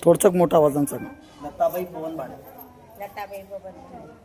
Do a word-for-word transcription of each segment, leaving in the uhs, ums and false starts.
थोडंसं मोठा आवाजानं सांगा. लताबाई पवन भाडे. लताबाई बबन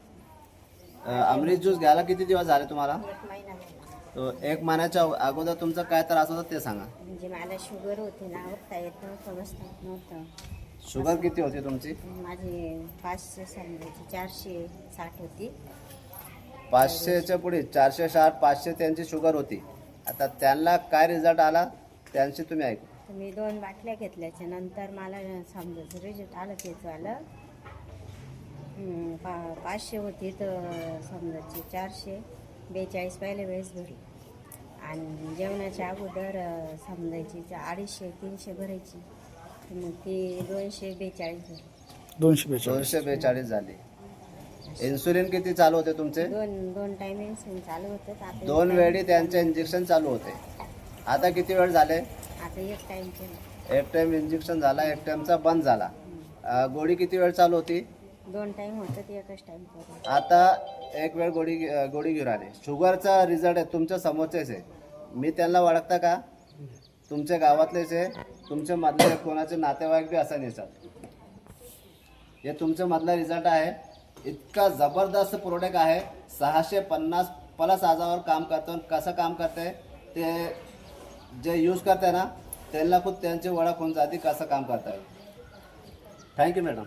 अमृत ज्यूस घ्यायला किती दिवस झाले तुम्हाला? एक महिना झाला. तो एक महिन्याच्या अगोदर तुमचा काय त्रास होता ते सांगा. म्हणजे मला शुगर होती ना, उठता येत नव्हतं, बसता येत नव्हतं. शुगर किती होती तुमची? माझी पाचशे समजायची चारशे साठ होती. पाचशेच्या पुढे चारशे साठ पाचशे त्यांची शुगर होती. आता त्यांना काय रिझल्ट आला त्यांची तुम्ही ऐकू. तर मी दोन बाटल्या घेतल्याच्या नंतर मला समजायचं रिझल्ट आलं तेच आलं. हम्म, पा पाचशे होती तर समजायची चारशे बेचाळीस पहिल्या वेळेस भरली. आणि जेवणाच्या अगोदर अं, समजायची चा- अडीचशे तीनशे भरायची, तर मग ती दोनशे बेचाळीस भरली. दोनशे बेचाळीस. दोनशे बेचाळीस झाले. इन्सुलिन किती चालू होते तुमचे? दोन दोन टायमिंग चालू होतं. तर आता दोन एक वेळी time त्यांचे इंजेक्शन चालू होते. आता किती वेळ झाले? केलं. आता एक टाइम केलं. एक टाइम इंजेक्शन झाला, एक टाइमचा बंद झाला. अ, गोळी किती वेळ चालू होती? दोन टाइम होतं ते एकच टाइम करू. आता एक वेळ गोळी घे- गोळी घेऊन आले. शुगरचा रिझल्ट आहे तुमच्या समोरचेच आहे. मी त्यांना ओळखता का? तुमच्या गावातलेच आहे. तुमच्या मधले कोणाचे नातेवाईक बी असा नसतात. हे तुमच्या मधला रिझल्ट आहे. इतका जबरदस्त प्रोडक्ट आहे. सहाशे पन्नास प्लस आजावर काम करतो. कसं काम करते ते जे यूज करते ना त्यांना खूप त्यांची ओळख होऊन जाते कसं काम करताय. Thank you madam.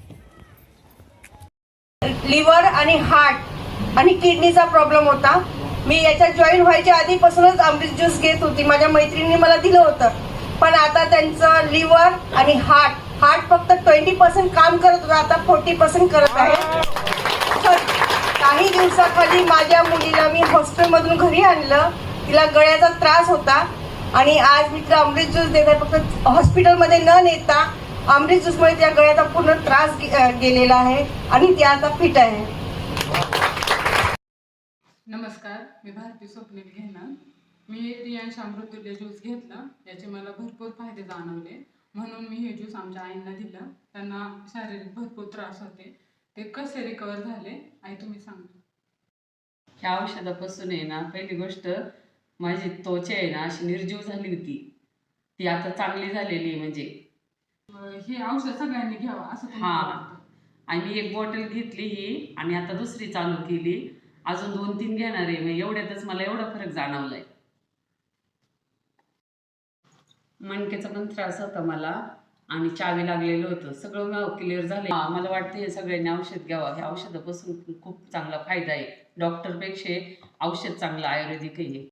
लिव्हर आणि हार्ट आणि किडनीचा प्रॉब्लेम होता. मी याच्यात जॉईन व्हायच्या आधीपासूनच अमृत ज्यूस घेत होती. माझ्या मैत्रिणीने मला दिलं होतं. पण आता त्यांचं लिव्हर आणि हार्ट हार्ट फक्त ट्वेंटी पर्सेंट काम करत होतं, आता फोर्टी पर्सेंट करत आहे. तर काही दिवसाखाली माझ्या मुलीला मी हॉस्टेलमधून घरी आणलं. तिला गळ्याचा त्रास होता आणि आज मी तिला अमृत ज्यूस देत आहे. फक्त हॉस्पिटलमध्ये न नेता अमृत ज्यूसमुळे त्या गळ्याचा पूर्ण त्रास गे- गेलेला आहे आणि ती आता फिट आहे. नमस्कार, मी भारती स्वप्नील घेणार. मी रियांश अमृतुल्य ज्यूस घेतला. याचे मला भरपूर फायदे जाणवले, म्हणून मी हे ज्यूस आमच्या आईंना दिलं. त्यांना शारीरिक भरपूर त्रास होते. ते कसे रिकवर झाले आई तुम्ही सांगा. ह्या औषधापासून आहे ना, पहिली गोष्ट माझी त्वचा आहे ना अशी निर्जीव झाली होती, ती आता चांगली झालेली आहे. म्हणजे अं, हे औषध सगळ्यांनी घ्यावं असं तुम्हाला हा. वाटतं? आणि मी एक बॉटल घेतली ही आणि आता दुसरी चालू केली. अजून दोन तीन घेणार आहे. मग एवढ्यातच मला एवढा फरक जाणवलाय. मणक्याचा पण त्रास होता मला आणि चावी लागलेलं होतं. सगळं क्लिअर झालं. मला वाटतं हे सगळ्यांनी औषध घ्यावं. ह्या औषधापासून खूप चांगला फायदा आहे. डॉक्टरपेक्षा औषध चांगलं आयुर्वेदिक आहे.